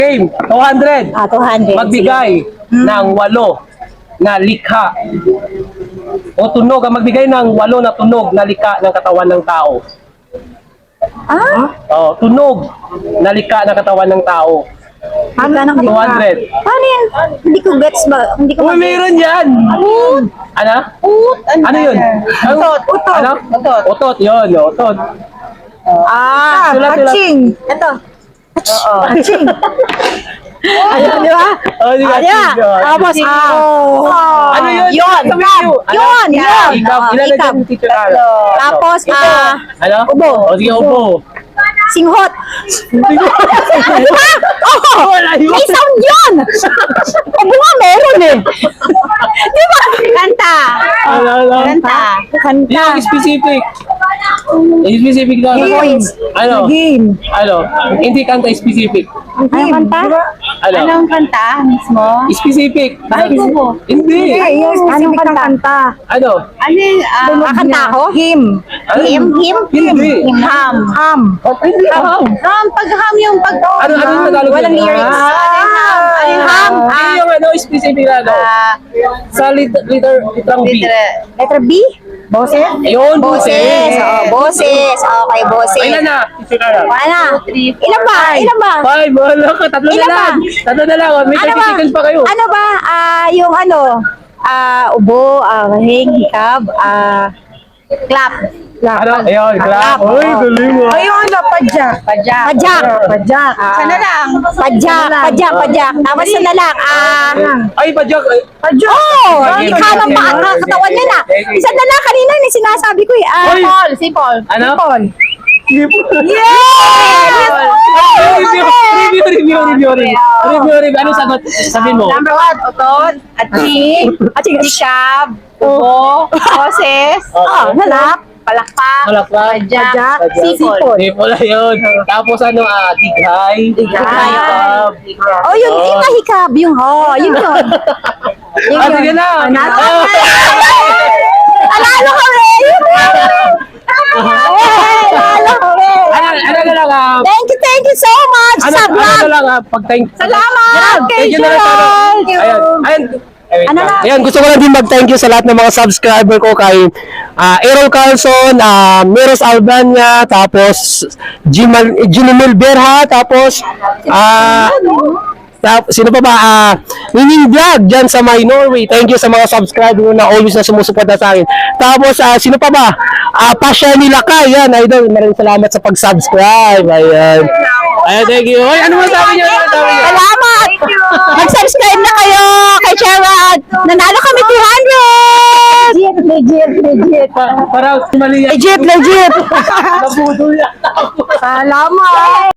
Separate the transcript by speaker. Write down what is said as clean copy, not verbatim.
Speaker 1: Game, 200.
Speaker 2: 200.
Speaker 1: Magbigay ng 8 na likha. O tunog, ang magbigay ng 8 na tunog na likha ng katawan ng tao. Oh, tunog na likha ng katawan ng tao.
Speaker 2: Ano na
Speaker 1: 200.
Speaker 2: Paano yan? Hindi ko gets ba? Hindi ko
Speaker 1: Uy, meron yan! Ano? Ano yun? Utot. Ano? Utot, yun. Utot. Sulat.
Speaker 2: Hatching. Ito. Hatching. Ayan, di ba?
Speaker 1: Oh, di ba?
Speaker 2: Ayan. Tapos,
Speaker 1: Ano yun?
Speaker 2: Yun.
Speaker 1: Sabi niyo. Ano?
Speaker 2: Yun.
Speaker 1: Ikab. Ilan na dyan, teacher Ara?
Speaker 2: Tapos,
Speaker 1: Ano?
Speaker 2: ubo.
Speaker 1: O, sige, ubo.
Speaker 2: Singhot. Di ba? Oo. May sound yun. Ubo nga meron eh. Di ba? Kanta.
Speaker 1: Ano?
Speaker 2: Kanta.
Speaker 1: Yung specific. Specific na. Ano?
Speaker 2: Game.
Speaker 1: Ano? Hindi kanta specific.
Speaker 2: Ano kanta?
Speaker 1: Ano?
Speaker 3: Anong kanta mismo?
Speaker 1: Specific.
Speaker 3: Bakit po?
Speaker 1: Hindi.
Speaker 2: Anong kanta?
Speaker 1: Ano?
Speaker 3: Ano yung
Speaker 2: Kakanta ako? Him.
Speaker 1: Ano? Hindi.
Speaker 2: Ham.
Speaker 1: Hindi.
Speaker 3: ham? Pag ham yung pag...
Speaker 1: Ano yung Tagalog?
Speaker 2: Walang
Speaker 1: yun?
Speaker 2: lyrics.
Speaker 3: Ano yung ham?
Speaker 1: Hindi yung ano, specific na ano. Sa litrang B.
Speaker 2: Letter B? Boses?
Speaker 1: Ayun,
Speaker 2: Boses. Boses. Okay, boses.
Speaker 1: Ilan na? Teacher Ara?
Speaker 2: Ano? Ilan ba?
Speaker 1: 5, wala ka. Tatlo na
Speaker 2: Ilan
Speaker 1: lang.
Speaker 2: ba?
Speaker 1: Tatlo na lang. May 30 seconds pa kayo.
Speaker 2: Ano ba? Yung ano? Ubo, hing, hikab, clap.
Speaker 1: Ano? Ayun, clap. Uy, galing mo.
Speaker 2: Yung ano? Padyak. Padyak.
Speaker 3: Sana lang.
Speaker 2: Padyak. Tapos na lang.
Speaker 1: Ay, padyak.
Speaker 2: Oh, ikaw lang ba ang katawan niya na? Isa na lang kanina yung sinasabi ko eh.
Speaker 1: Uy!
Speaker 3: Si Paul.
Speaker 1: Ano?
Speaker 2: Yes!
Speaker 1: Review. Anong sagot? Sabihin mo.
Speaker 3: Number 1, utot, atching, sikab, ubo, boses,
Speaker 2: Nalak.
Speaker 3: palakpak,
Speaker 1: Palakpak.
Speaker 3: padyak, sipol.
Speaker 1: Hindi pala yun. Tapos ano, dighay. Hikab.
Speaker 2: Oh, yung hikab. Yun yun.
Speaker 1: Sige na.
Speaker 2: Alalo kami!
Speaker 1: Ano na lang,
Speaker 2: Thank you so much sa
Speaker 1: ano
Speaker 2: vlog.
Speaker 1: na lang, pag-thank.
Speaker 2: Salamat!
Speaker 1: Thank you na lang sa Ayan.
Speaker 2: Ano na?
Speaker 1: Ayan, gusto ko lang din mag-thank you sa lahat ng mga subscriber ko kay Errol Carlson, Miros Albania, tapos Ginumil Berha, tapos sino pa ba? Nining Vlog dyan sa my Norway. Thank you sa mga subscriber na always na sumusuporta sa akin. Tapos, sino pa ba? Pasha nila ka. Yan, idol. Maraming salamat sa pag-subscribe. Ayan. Ayan, thank you. Ay, ano masabi niyo?
Speaker 2: Salamat! Mag-subscribe na kayo kay Gerard. Nanalo kami 200! Legit.
Speaker 1: Parang mali yan.
Speaker 2: Legit.
Speaker 1: Nabudol yan.
Speaker 2: Salamat!